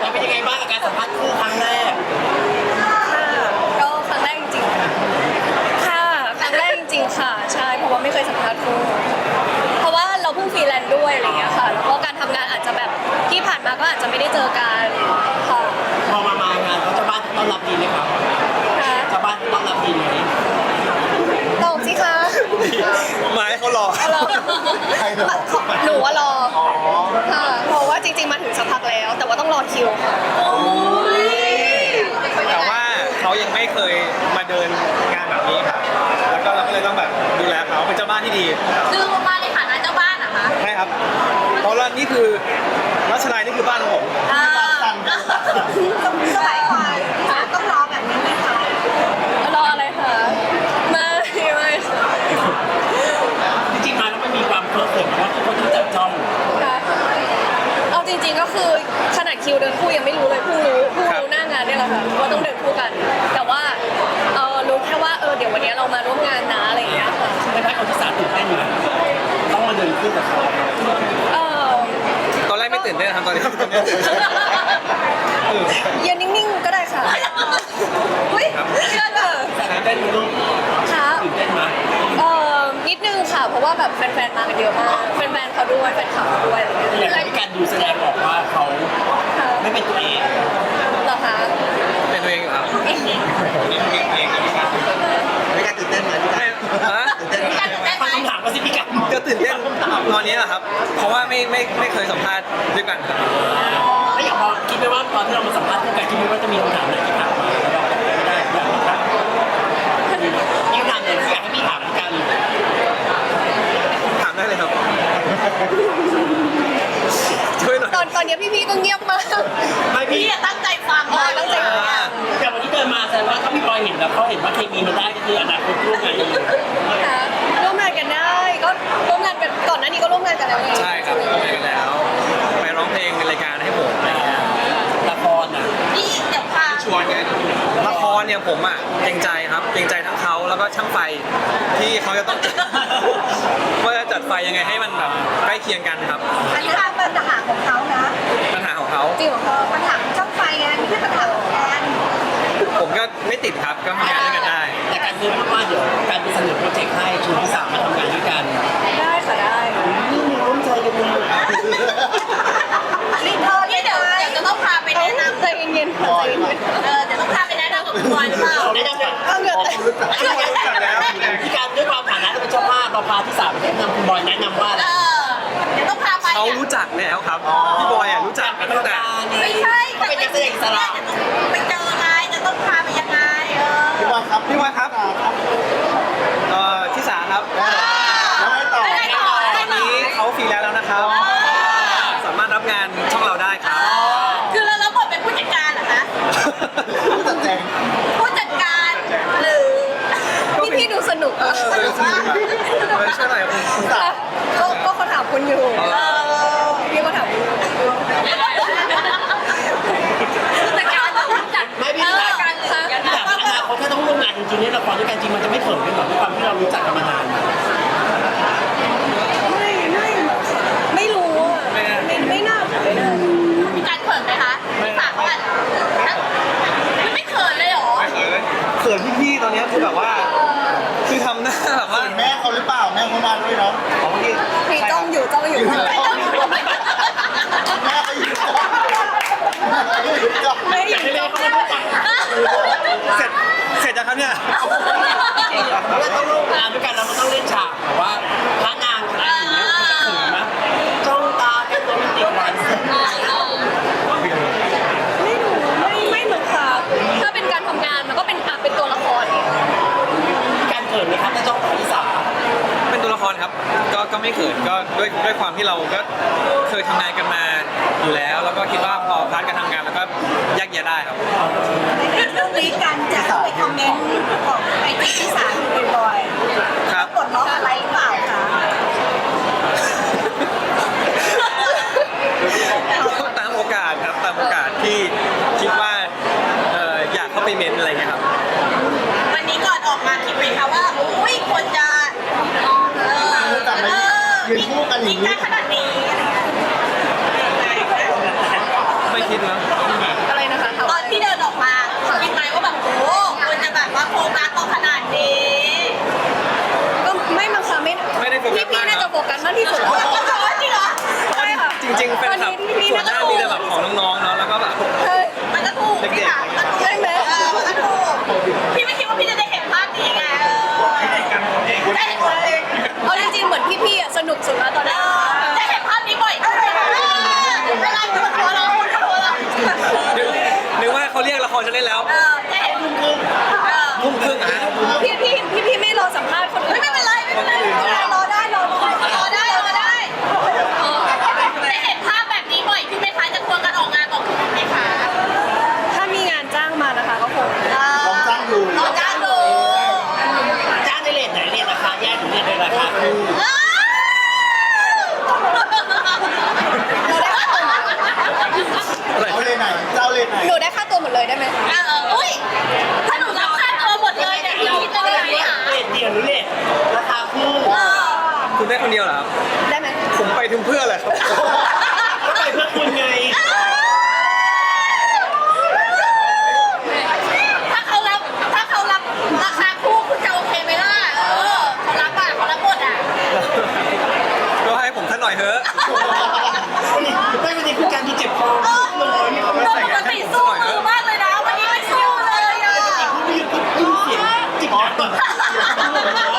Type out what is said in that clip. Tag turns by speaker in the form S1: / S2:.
S1: จะเป็นยังไงบ้างกับการสัมภาษณ์คู่ครั้งแรก
S2: ก็ครั้งแรกจริงๆค่ะครั้งแรกจริงๆค่ะใช่เพราะว่าไม่เคยสัมภาษณ์คู่เพราะว่าเราเพิ่งฟรีแลนซ์ด้วยอะไรอย่างเงี้ยค่ะแล้วก็การทำงานอาจจะแบบที่ผ่านมาก็อาจจะไม่ได้เจอกันค่ะ
S1: พอมางานเขาเจ้าบ้านต้อนรับดีไหมครับเจ้าบ้านต้อนรับดีไหม
S2: ตอบสิคะ
S3: หมายเขารอ
S2: หนูว่ารอค่ะเพราะว่าจริงๆมาถึงสักพักแล้ว แต่ว่าต้องรอคิวค่ะ
S3: แต่ว่าเขายังไม่เคยมาเดินงานแบบนี้ครับแล้วก็เราก็เลยต้องแบบดูแลเขาเป็นเจ้าบ้านที่ดี
S2: คือมาในฐานะเจ้าบ้านนะคะ
S3: ใช่ครับเพราะว่านี่คือรัชนายนี่คือบ้านของผม
S2: สมัยก่อนต้องรอแบบนี้ไหมคะรออะไรคะไม่
S1: จริงๆมาแล้วมันมีความเพลิดเพลินเพราะว่าทุกคนที่จับจ้อง
S2: เอาจริงๆก็คือขนาดคิวเดินคู่ยังไม่รู้เลยเพิ่งรู้หน้างานเนี่ยแหละค่ะว่าต้องเดินคู่กันแต่ว่ารู้แค่ว่าเดี๋ยววันนี้เรามาร่วมงานนะอะไรอย่างเงี้ยค่ะ
S1: ในภาคของที่สามตื่นเต้นอยู่ต้องมาเดินคู่กับเขา
S3: ตอนแรกไม่ตื่นเต้นครับตอนนี้
S2: ยืนนิ่งๆก็ได้ค่ะเฮ้ยเชื่อเถอะ
S1: ตื่นเต้นมั้ย
S2: ค่ะ
S1: ตื่นเต้นมั้ย
S2: นิดนึงค่ะเพราะว่าแบบแฟนๆมากันเยอะมากแฟนๆเขาด้วยแฟนคลับเขาด้วย
S1: อะไรอย่างนี้การดูแสดงบอกว่าเขาไม่เป็นตัวเอง
S2: เหรอคะ
S3: เป็นตัวเองอยู่ครับนี่เองไม่กล้า
S1: ตื่นเต้นไหมพี่กันฟังคำถามก็สิพี่กัน
S3: ก็ตื่นเต้นตอนนี้แหละครับเพราะว่าไม่เคยสัมภาษณ์ด้วยกันครับ
S1: แล้วอย่างพอคิดไหมว่าตอนที่เรามาสัมภาษณ์คู่กันคิดไหมว่าจะมีคำถามไหนที่ถามมาแล้วเราไม่ได้อยากถามมีคำถามไหนที่อยากให้พี่ถามกัน
S3: ถามได้เลยครับช่วยหน่อย
S2: ตอนนี้พี่ๆก็เงียบมาก
S1: ไม่พี่
S2: ตั้งใจฟังตั้งใจฟัง
S1: แต่วันที่เดินมาแสดงว่าถ้าพี่บอยเห็นแล้วเขาเห็นว่าเคมีมันได้ก็คืออนาคตร่วมงานกันเลย
S2: ร่วมงานกันได้ก็ร่วมงานกันก่อนหน้านี้ก็ร่วมงานกันแล้วไง
S3: ใช่ครับร่วมงานกันแล้วไปร้องเพลงในรายการให้ผม
S1: ละคร
S2: นี่เดี๋ยวพา
S3: ชวนไงละครเนี่ยผมเกรงใจครับเกรงใจทั้งเขาแล้วก็ช่างไฟที่เขาจะต้องว่าจะจัดไฟยังไงให้มันแบบใกล้เคียงกันครับ
S2: อันนี้เป็นปัญหาของเขานะ
S3: ปัญหาของเขา
S2: จริงเหรอปัญหาช่างไฟไงไม่ใช่ปัญหาของแอน
S3: ผมก็ไม่ติดครับก็ทำงานด้วยกันได้
S1: แต่การซื้อว่าเดี๋ยวการไปเสนอโปรเจกต์ให้ชวนพี่สาวมาทำงานด้วยกัน
S2: ได้ค่ะได้
S1: นี่มีร่วมใจกันเลย
S2: รีเทิร์นเดี๋ยวจะต้องพาไปแนะนำใจเย็นๆใจเย็นเดี๋ยวต้องพาไปแนะนำกับคุณบอยหรือเปล่า
S1: แนะนำเลย
S2: เหงื่อแตก
S1: พี่การด้วยความฐานะเราเป็นเจ้าภาพเราพาที่สามแนะนำคุณบอยแนะนำว่า
S2: เดี๋ยวต้องพาไป
S3: เขารู้จักแล้วครับพี่บอยรู้จักกันตั้งแต่
S2: ไม่ใช่
S1: เขาเป็นนักแสดงอิสระ
S2: ไปเจอไงจะต้องพาไปยังไง
S3: พี่บอยครับที่สาครับตอนนี้เขาฟรีแล้วนะครับสามารถรับงานช่องเราได้ครับ
S2: คือเรารับบทเป็นผู้จัดการเหรอคะผู้จัดการหรือพี่ดูสนุก
S3: สนุกมากช่วยหน่อยคุณตา
S2: ก็เขาถามคุณอยู่พี่ก็ถามแต่การจัด
S1: ไม่พี่การอนาคตถ้าต้องร่วมงานจริงๆเนี่ยละครด้วยกันจริงมันจะไม่เขินกันหรอกด้วยความที่เรารู้จักกันมานาน
S2: ไม่รู้ไม่น่ามีการเขินไหมคะพี่ฝากเขาอ่ะไม่เขินเลยหรอ
S3: ไม่เขินเลยเขินพี่ๆตอนนี้คือแบบว่าคือทำหน้าแบบว่า
S1: แม่เขาหรือเปล่าแม่เขามาด้วยเนาะ
S2: พี่จ้องอยู่แม่เขาอยู่แม่อยู่
S3: เสร็จแล้วครับเนี่ย
S1: เราต้องร่วมงานด้วยกันเราต้องเล่นฉากแต่ว่าพระนางอะไรอย่างเงี้ยจะถึงไหมจ้องตากันโรแมนติกวัน
S2: ไม่เหมือนค่ะถ้าเป็นการทำงานมันก็เป็นตัวละคร
S1: การเกิดไหมครับถ้าจ้องตาที่สาม
S3: เป็นตัวละครครับก็ไม่เขินก็ด้วยความที่เราก็เคยทำงานกันมาอยู่แล้วแล้วก็คิดว่าพอพาร์ทการทำงานแล้วก็แยกแยะได้ครับ
S2: เรื่องนี้การจะไปคอมเมนต์ของไอจีที่สามอยู่บ่อยๆ
S3: ครับ
S2: กดล็อกอะไรหรือเปล่าคะ
S3: ตามโอกาสครับตามโอกาสที่คิดว่าอยากเข้าไปเม้นอะไรเงี้ยครับ
S2: วันนี้ก่อนออกมาคิดไหมคะว่าอุ้ยคนจะ
S1: ยืนคู่กันอย่างนี้
S2: ขนาดนี้
S3: ไม่คิดนะ
S2: อะไรนะคะ
S4: ตอนที่เดินออกมาคิดไหมว่าแบบโอ้ควรจะแบบว่าโฟกัสเราขนาดนี้
S2: ก็ไม่มั้งคะไม่
S3: ได้โฟกัส
S2: พี่
S3: มาก
S2: น่าจะโฟกัสมากที่สุด
S4: จริงเหรอ
S2: ใช่ค่ะ
S3: จริงๆเป็นแบบ
S2: พี่
S3: ส่วนหน้ามีแต่แบบของน้องๆเนาะแล้วก็แบบ
S2: ใช่
S4: มันก็ถูกพี่ถามมันก็ถูก
S2: ใช่ไหม
S4: มันก็ถูกพี่ไม่คิดว่าพี่จะได้เห็นภาพนี้ไงได้เห็นตัวเอง
S2: เอาจริงๆเหมือนพี่ๆอ่ะสนุกสุดแล้วตอนนี้
S4: ได้เห็นภาพนี้บ่อยขึ้นเวลาอยู่บนหัวเราบนหัวเรา
S3: นึกว่าเขาเรียกละครจะเล่นแล้ว
S4: ได้เห็นมุมมุม
S3: ทุ่มครึ่งอ่ะ
S2: พี่ไม่รอสัมภาษณ์คนอื่น
S4: ไม่เป็นไรไม่เป็นไรรอได้รอได้ได้เห็นภาพแบบนี้บ่อยพี่ไหมคะจะควงกันออกงานบอกคุณไหมคะ
S2: ถ้ามีงานจ้างมานะคะก็คง
S4: ลองจ้างดูลองจ้างดู
S1: จ้างในเลทไหนเลทราคาแยกหรือเลทในราคาคู่
S5: เอาเลยไหนเจ้าเลยไหน
S2: หนูได้ค่าตัวหมดเลยได้ไหม
S4: อุ้ยถ้าหนูรับค่าตัวหมดเลยเนี่ยพี่คิดจะได้ไหมอ่ะ
S1: เลทเดียวหรือเลทราคาคู่
S3: คุณได้คนเดียวเหรอครับ
S2: ได้ไหม
S3: ผมไปถึงเพื่อแหละครับ
S1: ก็ไปเพื่อคุณไง
S4: ถ้าเขารับราคาคู่คุณจะโอเคไหมล่ะเขารับหมดอ่ะ
S3: ก็ให้ผมท่านหน่อยเถอะ
S1: ไม่วันนี้คือการที่เจ็บคอเลยมีความรู้สึก
S4: ปกติสู้มือมากเลยนะวันนี้ไม่สู้เลยอ่ะ
S1: มีเสียงจิบ